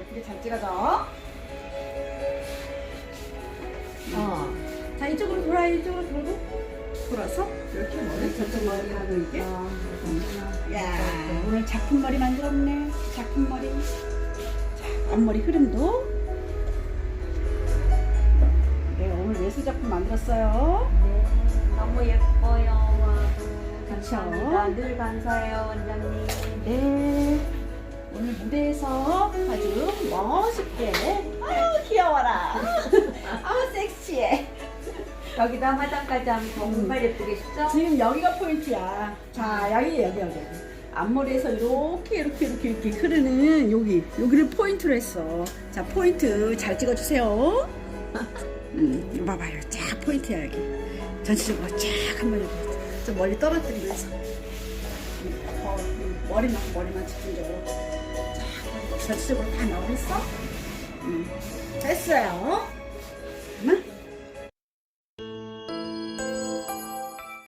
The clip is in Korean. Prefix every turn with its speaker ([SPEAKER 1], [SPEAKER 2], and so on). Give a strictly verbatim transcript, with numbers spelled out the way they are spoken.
[SPEAKER 1] 이게 잘 찍어져. 어. 자, 이쪽으로 돌아, 이쪽으로 돌고. 돌아서 이렇게 머리 저쪽 머리 하고 이게. 어. 야, 오늘 작품 머리 만들었네. 작품 머리. 자, 앞머리 흐름도. 내가 오늘 예술 작품 만들었어요.
[SPEAKER 2] 네, 너무 예뻐요.
[SPEAKER 1] 그쵸?
[SPEAKER 2] 감사합니다. 늘 감사해요, 원장님.
[SPEAKER 1] 네. 오늘 무대에서 아주 멋있게. 아유, 귀여워라. 아우, 섹시해.
[SPEAKER 2] 여기다 화장까지 하면 정말 예쁘게 쉽죠?
[SPEAKER 1] 지금 여기가 포인트야. 자, 여기, 여기, 여기. 앞머리에서 이렇게, 이렇게, 이렇게, 이렇게 흐르는 여기, 여기를 포인트로 했어. 자, 포인트 잘 찍어주세요. 음, 이거 봐봐요. 쫙 포인트야, 여기. 전체적으로 쫙 한번 이렇게. 좀 멀리 떨어뜨리면서. 음, 더, 음, 머리만, 머리만 집중적으로. 쫙, 전체적으로 다 나오겠어? 음, 됐어요.